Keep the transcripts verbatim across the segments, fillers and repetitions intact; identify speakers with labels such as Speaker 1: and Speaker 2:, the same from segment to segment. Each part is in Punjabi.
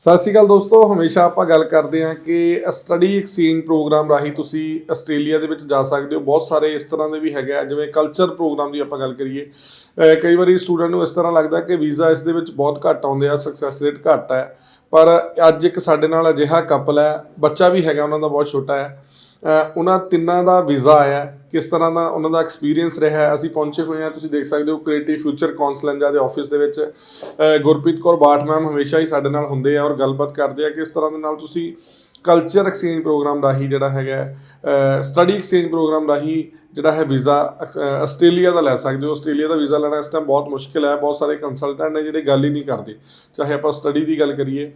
Speaker 1: ਸਤਿ ਸ਼੍ਰੀ ਅਕਾਲ ਦੋਸਤੋ, ਹਮੇਸ਼ਾ ਆਪਾਂ ਗੱਲ ਕਰਦੇ ਹਾਂ ਕਿ ਸਟੱਡੀ ਐਕਸਚੇਂਜ ਪ੍ਰੋਗਰਾਮ ਰਾਹੀਂ ਤੁਸੀਂ ਆਸਟ੍ਰੇਲੀਆ ਦੇ ਵਿੱਚ ਜਾ ਸਕਦੇ ਹੋ। ਬਹੁਤ ਸਾਰੇ ਇਸ ਤਰ੍ਹਾਂ ਦੇ ਵੀ ਹੈਗੇ ਆ, ਜਿਵੇਂ ਕਲਚਰ ਪ੍ਰੋਗਰਾਮ ਦੀ ਆਪਾਂ ਗੱਲ ਕਰੀਏ, ਕਈ ਵਾਰੀ ਸਟੂਡੈਂਟ ਨੂੰ ਇਸ ਤਰ੍ਹਾਂ ਲੱਗਦਾ ਕਿ ਵੀਜ਼ਾ ਇਸ ਦੇ ਵਿੱਚ ਬਹੁਤ ਘੱਟ ਆਉਂਦੇ ਆ, ਸਕਸੈਸ ਰੇਟ ਘੱਟ ਹੈ। ਪਰ ਅੱਜ ਇੱਕ ਸਾਡੇ ਨਾਲ ਅਜਿਹਾ ਕਪਲ ਹੈ, ਬੱਚਾ ਵੀ ਹੈਗਾ ਉਹਨਾਂ ਦਾ ਬਹੁਤ ਛੋਟਾ ਹੈ, ਉਹਨਾਂ ਤਿੰਨਾਂ ਦਾ ਵੀਜ਼ਾ ਆਇਆ। ਕਿਸ ਤਰ੍ਹਾਂ ਦਾ ਉਹਨਾਂ ਦਾ ਐਕਸਪੀਰੀਅੰਸ ਰਿਹਾ, ਅਸੀਂ ਪਹੁੰਚੇ ਹੋਏ ਹਾਂ, ਤੁਸੀਂ ਦੇਖ ਸਕਦੇ ਹੋ ਕ੍ਰੀਏਟਿਵ ਫਿਊਚਰ ਕੌਂਸਲੈਂਜਾ ਦੇ ਆਫਿਸ ਦੇ ਵਿੱਚ। ਗੁਰਪ੍ਰੀਤ ਕੌਰ ਬਾਠ ਮੈਮ ਹਮੇਸ਼ਾ ਹੀ ਸਾਡੇ ਨਾਲ ਹੁੰਦੇ ਆ ਔਰ ਗੱਲਬਾਤ ਕਰਦੇ ਆ ਕਿ ਇਸ ਤਰ੍ਹਾਂ ਦੇ ਨਾਲ ਤੁਸੀਂ ਕਲਚਰ ਐਕਸਚੇਂਜ ਪ੍ਰੋਗਰਾਮ ਰਾਹੀਂ ਜਿਹੜਾ ਹੈਗਾ ਸਟੱਡੀ ਐਕਸਚੇਂਜ ਪ੍ਰੋਗਰਾਮ ਰਾਹੀਂ ਜਿਹੜਾ ਹੈ ਵੀਜ਼ਾ ਆਸਟ੍ਰੇਲੀਆ ਦਾ ਲੈ ਸਕਦੇ ਹੋ। ਆਸਟ੍ਰੇਲੀਆ ਦਾ ਵੀਜ਼ਾ ਲੈਣਾ ਇਸ ਟਾਈਮ ਬਹੁਤ ਮੁਸ਼ਕਿਲ ਹੈ। ਬਹੁਤ ਸਾਰੇ ਕੰਸਲਟੈਂਟ ਨੇ ਜਿਹੜੇ ਗੱਲ ਹੀ ਨਹੀਂ ਕਰਦੇ, ਚਾਹੇ ਆਪਾਂ ਸਟੱਡੀ ਦੀ ਗੱਲ ਕਰੀਏ।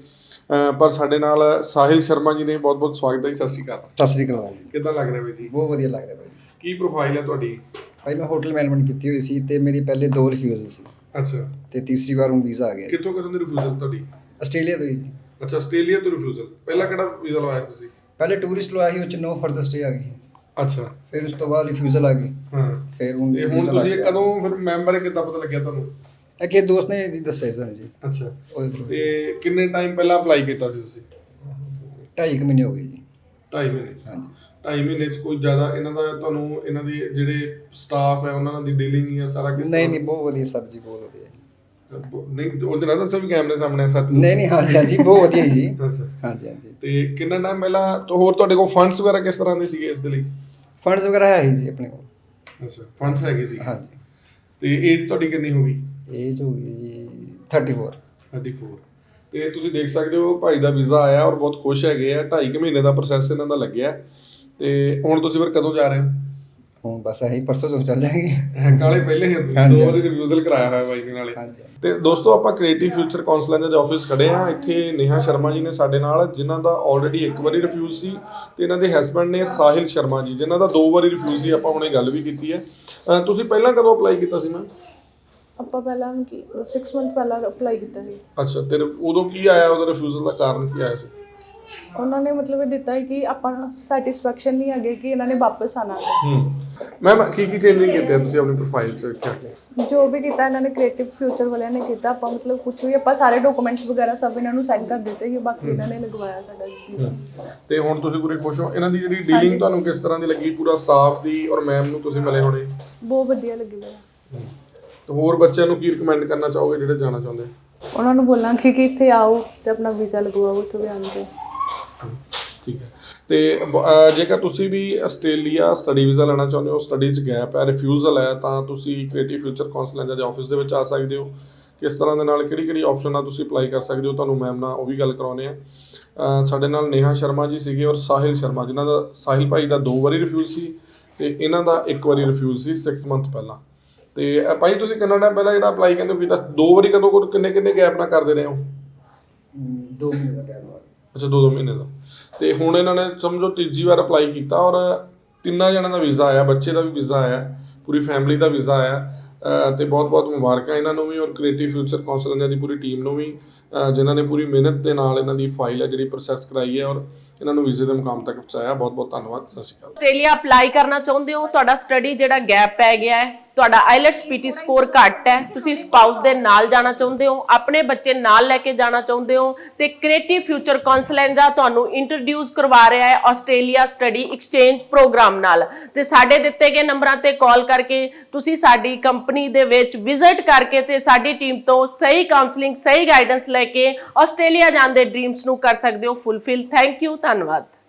Speaker 1: ਪਰ ਸਾਡੇ ਨਾਲ ਸਾਹਿਲ ਸ਼ਰਮਾ ਜੀ ਨੇ, ਬਹੁਤ ਬਹੁਤ ਸਵਾਗਤ ਹੈ ਜੀ। ਸਤਿ ਸ਼੍ਰੀ ਅਕਾਲ।
Speaker 2: ਸਤਿ ਸ਼੍ਰੀ ਅਕਾਲ ਜੀ।
Speaker 1: ਕਿੱਦਾਂ ਲੱਗ ਰਿਹਾ ਬਾਈ ਜੀ?
Speaker 2: ਬਹੁਤ ਵਧੀਆ ਲੱਗ ਰਿਹਾ ਬਾਈ।
Speaker 1: ਕੀ ਪ੍ਰੋਫਾਈਲ ਹੈ ਤੁਹਾਡੀ?
Speaker 2: ਭਾਈ ਮੈਂ ਹੋਟਲ ਮੈਨੇਜਮੈਂਟ ਕੀਤੀ ਹੋਈ ਸੀ ਤੇ ਮੇਰੀ ਪਹਿਲੇ ਦੋ ਰਿਫਿਊਜ਼ਲ ਸੀ।
Speaker 1: ਅੱਛਾ।
Speaker 2: ਤੇ ਤੀਸਰੀ ਵਾਰ ਹੁਣ ਵੀਜ਼ਾ ਆ ਗਿਆ।
Speaker 1: ਕਿੱਥੋਂ ਕਦੋਂ ਦੀ ਰਿਫਿਊਜ਼ਲ ਤੁਹਾਡੀ?
Speaker 2: ਆਸਟ੍ਰੇਲੀਆ ਤੋਂ ਹੀ ਜੀ।
Speaker 1: ਅੱਛਾ, ਆਸਟ੍ਰੇਲੀਆ ਤੋਂ ਰਿਫਿਊਜ਼ਲ। ਪਹਿਲਾਂ ਕਿਹੜਾ ਵੀਜ਼ਾ ਲਵਾਇਆ ਤੁਸੀਂ?
Speaker 2: ਪਹਿਲੇ ਟੂਰਿਸਟ ਲਵਾਇਆ ਸੀ, ਉਹ ਚ ਨੋ ਫਰਦਰ ਸਟੇ ਆ ਗਈ।
Speaker 1: ਅੱਛਾ।
Speaker 2: ਫਿਰ ਉਸ ਤੋਂ ਬਾਅਦ ਰਿਫਿਊਜ਼ਲ ਆ ਗਈ।
Speaker 1: ਹਾਂ।
Speaker 2: ਫਿਰ ਹੁਣ
Speaker 1: ਤੇ ਹੁਣ ਤੁਸੀਂ ਕਦੋਂ ਫਿਰ ਮੈਮ ਬਾਰੇ ਕਿੱਦਾਂ ਪਤਾ ਲੱਗਿਆ ਤੁਹਾਨੂੰ?
Speaker 2: ਇੱਕ ਇਹ ਦੋਸਤ ਨੇ ਜੀ ਦੱਸਿਆ ਸਾਨੂੰ ਜੀ।
Speaker 1: ਅੱਛਾ।
Speaker 2: ਉਹਦੇ ਥਰੂ।
Speaker 1: ਤੇ ਕਿੰਨੇ ਟਾਈਮ ਪਹਿਲਾਂ ਅਪਲਾਈ ਕੀਤਾ ਸੀ ਤੁਸੀਂ?
Speaker 2: ਢਾਈ ਕੁ ਮਹੀਨੇ ਹੋ ਗਏ ਜੀ।
Speaker 1: ਢਾਈ ਮਹੀਨੇ?
Speaker 2: ਹਾਂਜੀ।
Speaker 1: ਢਾਈ ਮਹੀਨੇ 'ਚ ਕੋਈ ਜ਼ਿਆਦਾ ਇਹਨਾਂ ਦਾ ਤੁਹਾਨੂੰ, ਇਹਨਾਂ ਦੀ ਜਿਹੜੇ ਸਟਾਫ ਹੈ ਉਹਨਾਂ ਦੀ ਡੀਲਿੰਗ ਜਾਂ ਸਾਰਾ ਕਿਸ?
Speaker 2: ਨਹੀਂ ਨਹੀਂ, ਬਹੁਤ ਵਧੀਆ ਸਰ ਜੀ, ਬਹੁਤ ਵਧੀਆ।
Speaker 1: ਨਹੀਂ ਉਹਦੇ ਨਾਲ ਦੱਸੋ ਵੀ ਕੈਮਰੇ ਸਾਹਮਣੇ ਸੱਚ?
Speaker 2: ਨਹੀਂ ਨਹੀਂ, ਹਾਂਜੀ ਹਾਂਜੀ, ਬਹੁਤ ਵਧੀਆ ਜੀ।
Speaker 1: ਅੱਛਾ।
Speaker 2: ਹਾਂਜੀ ਹਾਂਜੀ।
Speaker 1: ਤੇ ਕਿੰਨਾ ਟਾਈਮ ਪਹਿਲਾਂ ਤੋਂ ਹੋਰ ਤੁਹਾਡੇ ਕੋਲ ਫੰਡਸ ਵਗੈਰਾ ਕਿਸ ਤਰ੍ਹਾਂ ਦੇ ਸੀਗੇ ਇਸ ਦੇ ਲਈ?
Speaker 2: ਫੰਡਸ ਵਗੈਰਾ ਹੈ ਹੀ ਜੀ ਆਪਣੇ ਕੋਲ।
Speaker 1: ਅੱਛਾ, ਫੰਡਸ ਹੈਗੇ ਸੀ।
Speaker 2: ਹਾਂਜੀ।
Speaker 1: ਤੇ ਏਜ ਤੁਹਾਡੀ ਕਿੰਨੀ ਹੋ ਗਈ?
Speaker 2: ਏਜ ਹੋ ਗਈ ਜੀ ਥਰਟੀ ਫੋਰ।
Speaker 1: Thirty four. ਤੇ ਤੁਸੀਂ ਦੇਖ ਸਕਦੇ ਹੋ ਭਾਈ ਦਾ ਵੀਜ਼ਾ ਆਇਆ ਔਰ ਬਹੁਤ ਖੁਸ਼ ਹੈਗੇ ਆ। ਢਾਈ ਕੁ ਮਹੀਨੇ ਦਾ ਪ੍ਰੋਸੈਸ ਇਹਨਾਂ ਦਾ ਲੱਗਿਆ। ਤੇ ਹੁਣ ਤੁਸੀਂ ਫਿਰ ਕਦੋਂ ਜਾ ਰਹੇ ਹੋ?
Speaker 2: ਹੁਣ ਬਸ ਇਹੀ ਪਰਸੋਂ ਤੋਂ ਚੱਲ ਜਾਏਗੀ।
Speaker 1: ਨਾਲੇ ਪਹਿਲੇ ਹੀ ਦੋ ਵਾਰੀ ਰਿਵਿਊਜ਼ਲ ਕਰਾਇਆ ਹੋਇਆ ਬਾਈ ਦੇ ਨਾਲੇ। ਤੇ ਦੋਸਤੋ, ਆਪਾਂ ਕ੍ਰੀਏਟਿਵ ਫਿਊਚਰ ਕੌਂਸਲੈਂਜਾ ਦੇ ਆਫਿਸ ਖੜੇ ਆ। ਇੱਥੇ ਨੇਹਾ ਸ਼ਰਮਾ ਜੀ ਨੇ ਸਾਡੇ ਨਾਲ, ਜਿਨ੍ਹਾਂ ਦਾ ਆਲਰੇਡੀ ਇੱਕ ਵਾਰੀ ਰਿਫਿਊਜ਼ ਸੀ, ਤੇ ਇਹਨਾਂ ਦੇ ਹਸਬੈਂਡ ਨੇ ਸਾਹਿਲ ਸ਼ਰਮਾ ਜੀ, ਜਿਨ੍ਹਾਂ ਦਾ ਦੋ ਵਾਰੀ ਰਿਫਿਊਜ਼ ਸੀ। ਆਪਾਂ ਹੁਣੇ ਗੱਲ ਵੀ ਕੀਤੀ ਹੈ। ਤੁਸੀਂ ਪਹਿਲਾਂ ਕਦੋਂ ਅਪਲਾਈ ਕੀਤਾ ਸੀ ਮੈਮ?
Speaker 3: ਆਪਾਂ ਪਹਿਲਾਂ ਕੀ ਸਿਕਸ ਮੰਥ ਪਹਿਲਾਂ ਅਪਲਾਈ ਕੀਤਾ ਸੀ। ਅੱਛਾ।
Speaker 1: ਤੇ ਉਦੋਂ ਕੀ ਆਇਆ, ਉਹਦਾ ਰਿਫਿਊਜ਼ਲ ਦਾ ਕਾਰਨ ਕੀ ਆਇਆ ਸੀ?
Speaker 3: ਉਹਨਾਂ ਨੇ ਮਤਲਬ ਇਹ ਦਿੱਤਾ ਹੈ ਕਿ ਆਪਾਂ ਨੂੰ ਸੈਟੀਸਫੈਕਸ਼ਨ ਨਹੀਂ ਹੈਗੇ ਕਿ ਇਹਨਾਂ ਨੇ ਵਾਪਸ ਆਣਾ ਹੈ।
Speaker 1: ਹੂੰ। ਮੈਮ ਕੀ ਕੀ ਚੇਂਜਿੰਗ ਕੀਤੇ ਤੁਸੀਂ ਆਪਣੀ ਪ੍ਰੋਫਾਈਲ 'ਚ ਇੱਥੇ ਆ ਕੇ?
Speaker 3: ਜੋ ਵੀ ਕੀਤਾ ਇਹਨਾਂ ਨੇ ਕ੍ਰੀਏਟਿਵ ਫਿਊਚਰ ਵਾਲਿਆਂ ਨੇ ਕੀਤਾ। ਆਪਾਂ ਮਤਲਬ ਕੁਝ ਵੀ ਆਪਾਂ ਸਾਰੇ ਡਾਕੂਮੈਂਟਸ ਵਗੈਰਾ ਸਭ ਇਹਨਾਂ ਨੂੰ ਸੈਂਡ ਕਰ ਦਿੱਤੇ ਸੀ। ਬਾਕੀ ਇਹਨਾਂ ਨੇ ਲਗਵਾਇਆ ਸਾਡਾ ਵੀਜ਼ਾ। ਤੇ
Speaker 1: ਹੁਣ ਤੁਸੀਂ ਪੂਰੇ ਖੁਸ਼ ਹੋ? ਇਹਨਾਂ ਦੀ ਜਿਹੜੀ ਡੀਲਿੰਗ ਤੁਹਾਨੂੰ ਕਿਸ ਤਰ੍ਹਾਂ ਦੀ ਲੱਗੀ, ਪੂਰਾ ਸਟਾਫ ਦੀ ਔਰ ਮੈਮ ਨੂੰ ਤੁਸੀਂ ਮਿਲੇ ਹੋਣੇ?
Speaker 3: ਬਹੁਤ ਵਧੀਆ ਲੱਗੀ ਮੈਨੂੰ।
Speaker 1: ਤੇ ਹੋਰ ਬੱਚਿਆਂ ਨੂੰ ਕੀ ਰਿਕਮੈਂਡ ਕਰਨਾ ਚਾਹੋਗੇ ਜਿਹੜੇ ਜਾਣਾ ਚਾਹੁੰਦੇ?
Speaker 3: ਉਹਨਾਂ ਨੂੰ ਬੋਲਾਂਗੇ ਕਿ ਇੱਥੇ ਆਓ ਤੇ ਆਪਣਾ ਵੀਜ਼ਾ ਲਗਵਾਓ ਇੱਥੋਂ ਵੀ ਆਣ ਕੇ।
Speaker 1: ਠੀਕ ਹੈ। ਤੇ ਜੇਕਰ ਤੁਸੀਂ ਵੀ ਆਸਟ੍ਰੇਲੀਆ ਸਟੱਡੀ ਵੀਜ਼ਾ ਲੈਣਾ ਚਾਹੁੰਦੇ ਹੋ, ਸਟੱਡੀ 'ਚ ਗੈਪ ਹੈ, ਰਿਫਿਊਜ਼ਲ ਹੈ, ਤਾਂ ਤੁਸੀਂ ਕ੍ਰੀਏਟਿਵ ਫਿਊਚਰ ਕੌਂਸਲੈਂਜਾ ਦੇ ਆਫਿਸ ਦੇ ਵਿੱਚ ਆ ਸਕਦੇ ਹੋ। ਕਿਸ ਤਰ੍ਹਾਂ ਦੇ ਨਾਲ ਕਿਹੜੀ ਕਿਹੜੀ ਆਪਸ਼ਨ ਨਾਲ ਤੁਸੀਂ ਅਪਲਾਈ ਕਰ ਸਕਦੇ ਹੋ, ਤੁਹਾਨੂੰ ਮੈਮ ਨਾਲ ਉਹ ਵੀ ਗੱਲ ਕਰਾਉਂਦੇ ਆ। ਸਾਡੇ ਨਾਲ ਨੇਹਾ ਸ਼ਰਮਾ ਜੀ ਸੀਗੇ ਔਰ ਸਾਹਿਲ ਸ਼ਰਮਾ, ਜਿਨ੍ਹਾਂ ਦਾ ਸਾਹਿਲ ਭਾਈ ਦਾ ਦੋ ਵਾਰੀ ਰਿਫਿਊਜ਼ ਸੀ ਤੇ ਇਹਨਾਂ ਦਾ ਇੱਕ ਵਾਰੀ ਰਿਫਿਊਜ਼ ਸੀ ਸਿਕਸ ਮੰਥ ਪਹਿਲਾਂ। ਤੇ ਭਾਈ ਤੁਸੀਂ ਕਿੰਨਾ ਟਾਈਮ ਪਹਿਲਾਂ ਜਿਹੜਾ ਅਪਲਾਈ ਕਹਿੰਦੇ ਹੋ ਕੀਤਾ? ਦੋ ਵਾਰੀ ਕਦੋਂ ਕਿੰਨੇ ਕਿੰਨੇ ਗੈਪ ਨਾਲ ਕਰਦੇ ਰਹੇ ਹੋ?
Speaker 2: ਦੋ ਮਹੀਨੇ ਦਾ ਗੈਪ।
Speaker 1: ਅੱਛਾ, ਦੋ ਦੋ ਮਹੀਨੇ ਦਾ। ਤੇ ਹੁਣ ਇਹਨਾਂ ਨੇ ਸਮਝੋ ਤੀਜੀ ਵਾਰ ਅਪਲਾਈ ਕੀਤਾ ਔਰ ਤਿੰਨਾਂ ਜਣਾਂ ਦਾ ਵੀਜ਼ਾ ਆਇਆ, ਬੱਚੇ ਦਾ ਵੀ ਵੀਜ਼ਾ ਆਇਆ, ਪੂਰੀ ਫੈਮਿਲੀ ਦਾ ਵੀਜ਼ਾ ਆਇਆ। ਤੇ ਬਹੁਤ ਬਹੁਤ ਮੁਬਾਰਕਾਂ ਇਹਨਾਂ ਨੂੰ ਵੀ ਔਰ ਕ੍ਰੀਏਟਿਵ ਫਿਊਚਰ ਕੌਂਸਲੈਂਜਾ ਦੀ ਪੂਰੀ ਟੀਮ ਨੂੰ ਵੀ, ਜਿਨ੍ਹਾਂ ਨੇ ਪੂਰੀ ਮਿਹਨਤ ਦੇ ਨਾਲ ਇਹਨਾਂ ਦੀ ਫਾਈਲ ਹੈ ਜਿਹੜੀ ਪ੍ਰੋਸੈਸ ਕਰਾਈ ਹੈ ਔਰ ਇਹਨਾਂ ਨੂੰ ਵੀਜ਼ੇ ਦੇ ਮੁਕਾਮ ਤੱਕ ਪਹੁੰਚਾਇਆ। ਬਹੁਤ ਬਹੁਤ ਧੰਨਵਾਦ। ਸਤਿ ਸ਼੍ਰੀ ਅਕਾਲ।
Speaker 4: ਆਸਟ੍ਰੇਲੀਆ ਅਪਲਾਈ ਕਰਨਾ ਚਾਹੁੰਦੇ ਹੋ, ਤੁਹਾਡਾ ਸਟੱਡੀ ਜਿਹੜਾ ਗੈਪ ਪੈ ਗਿਆ ਹੈ, ਤੁਹਾਡਾ ਆਈਲੈਟਸ ਪੀਟੀ ਸਕੋਰ ਘੱਟ ਹੈ, ਤੁਸੀਂ ਸਪਾਊਸ ਦੇ ਨਾਲ ਜਾਣਾ ਚਾਹੁੰਦੇ ਹੋ, ਆਪਣੇ ਬੱਚੇ ਨਾਲ ਲੈ ਕੇ ਜਾਣਾ ਚਾਹੁੰਦੇ ਹੋ, ਤੇ ਕ੍ਰੀਏਟਿਵ ਫਿਊਚਰ ਕੌਂਸਲੈਂਜਾ ਤੁਹਾਨੂੰ ਇੰਟਰੋਡਿਊਸ ਕਰਵਾ ਰਿਹਾ ਹੈ ਆਸਟ੍ਰੇਲੀਆ ਸਟੱਡੀ ਐਕਸਚੇਂਜ ਪ੍ਰੋਗਰਾਮ ਨਾਲ। ਤੇ ਸਾਡੇ ਦਿੱਤੇ ਗਏ ਨੰਬਰਾਂ ਤੇ ਕਾਲ ਕਰਕੇ ਤੁਸੀਂ ਸਾਡੀ ਕੰਪਨੀ ਦੇ ਵਿੱਚ ਵਿਜ਼ਿਟ ਕਰਕੇ ਤੇ ਸਾਡੀ ਟੀਮ ਤੋਂ ਸਹੀ ਕਾਉਂਸਲਿੰਗ, ਸਹੀ ਗਾਈਡੈਂਸ ਲੈ ਕੇ ਆਸਟ੍ਰੇਲੀਆ ਜਾਣ ਦੇ ਡ੍ਰੀਮਸ ਨੂੰ ਕਰ ਸਕਦੇ ਹੋ ਫੁੱਲਫਿਲ। ਥੈਂਕ ਯੂ, ਧੰਨਵਾਦ।